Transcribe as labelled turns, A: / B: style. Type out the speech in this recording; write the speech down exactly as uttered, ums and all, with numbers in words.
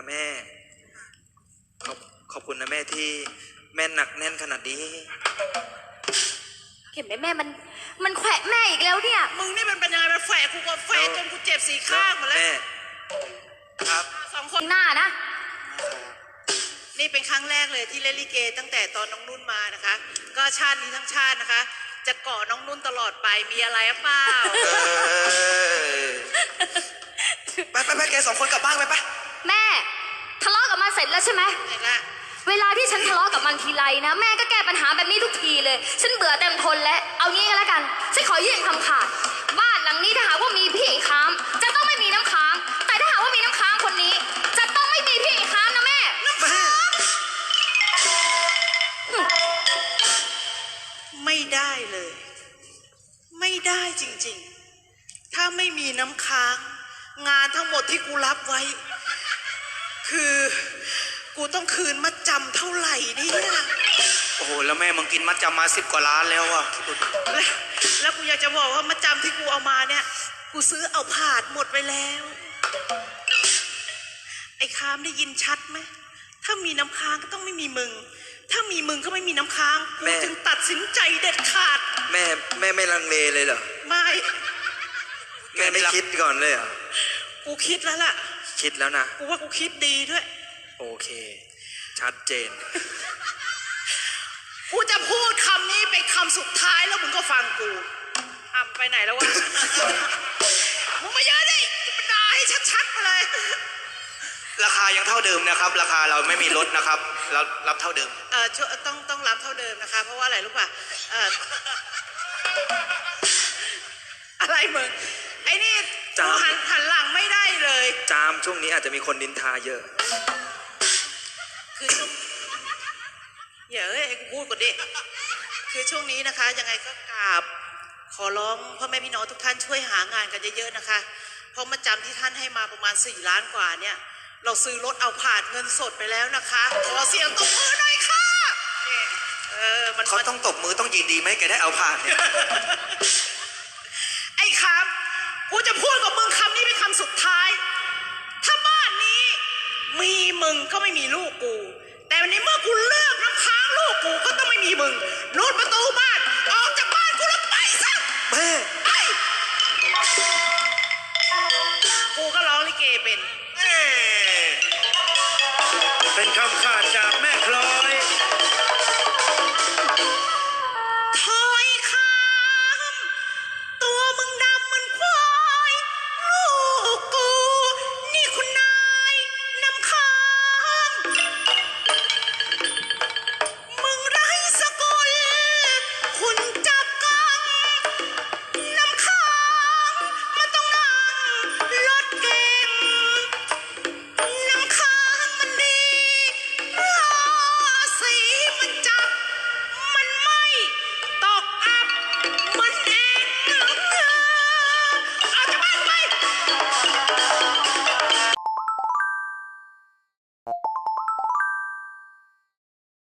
A: แม่ขอบขอบคุณนะแม่ที่แม่หนักแน่นขนาดนี้
B: เห็นไหมแม่มันมันแขวะแม่อีกแล้วเนี่ย
C: มึงนี่มันเป็นยังไงมันแฝงกูก็แฝงจนกูเจ็บสีข้างหมดแล้ว
A: แม่ครับ
C: สองคน
B: หน้านะ
C: นี่เป็นครั้งแรกเลยที่เล่นลิเกตั้งแต่ตอนน้องนุ่นมานะคะ ก็ชาตินี้ทั้งชาตินะคะ จะเกาะน้องนุ่นตลอดไปมีอะไรหรือเปล่า
A: ไปไปไปแกสองคนกลับบ้านไปไป
B: แม่ทะเลาะกับมันเสร็จแล้วใช่ไหม
C: เสร็จแล้ว
B: เวลาที่ฉันทะเลาะกับมันทีไรนะแม่ก็แก้ปัญหาแบบนี้ทุกทีเลยฉันเบื่อเต็มทนแล้วเอางี้ก็แล้วกันฉันขอยื่นคำขาดบ้านหลังนี้ถ้าหากว่ามีพี่ค้างจะต้องไม่มีน้ำค้างแต่ถ้าหากว่ามีน้ำค้างคนนี้จะต้องไม่มีพี่ค้างนะแม่น้ำค้าง
C: ไม่ได้เลยไม่ได้จริงๆถ้าไม่มีน้ำค้างงานทั้งหมดที่กูรับไว้คือกูต้องคืนมัดจำเท่าไหร่เนี่ย
A: โอ้โหแล้วแม่มึงกินมัดจำมาสิบกว่าล้านแล้วอ่ะ
C: แล้วแล้วกูอยากจะบอกว่ามัดจำที่กูเอามาเนี่ยกูซื้อเอาผาดหมดไปแล้วไอ้คามได้ยินชัดไหมถ้ามีน้ำค้างก็ต้องไม่มีมึงถ้ามีมึงก็ไม่มีน้ำค้างกูจึงตัดสินใจเด็ดขาด
A: แม่แม่ไม่ลังเลเลยเหรอ
C: ไม่
A: แม่ไม่คิดก่อนเลยเหรอ
C: กูคิดแล้วล่ะ
A: คิดแล้วนะ
C: กูว่ากูคิดดีด้วย
A: โอเคชัดเจน
C: กูจะพูดคำนี้เป็นคำสุดท้ายแล้วมึงก็ฟังกูทำไปไหนแล้ววะ มึงมาเยอะดิจะมาด่าให้ชัดๆมาเลย
A: ราคายังเท่าเดิมนะครับราคาเราไม่มีลดนะครับเรารับเท่าเดิม
C: เออต้องต้องรับเท่าเดิมนะคะเพราะว่าอะไรรู้ป่ะเอออะไรมึงไอ้นี่กูหันหันหลังไม่ได้เลย
A: จามช่วงนี้อาจจะมีคนนินทาเยอะ
C: คือช่วงอย่าเอ้ยกูพูดก่อนดิคือช่วงนี้นะคะยังไงก็กราบขอร้องพ่อแม่พี่น้องทุกท่านช่วยหางานกันเยอะๆนะคะเพราะมาจำที่ท่านให้มาประมาณสี่ล้านกว่าเนี่ยเราซื้อรถเอาผ่านเงินสดไปแล้วนะคะขอเสียงตบมือหน่อยค่ะเออมัน
A: เขาต้องตบมือต้องยินดีไหมแกได้เอาผ่านเนี่ย
C: ไอ้คำกูจะพูดกับมึงคำนี้เป็นคำสุดท้ายถ้าบ้านนี้มีมึงก็ไม่มีลูกกูแต่วันนี้เมื่อกูเลือกน้ำค้างลูกกูก็ต้องไม่มีมึงนู่นประตูบ้าน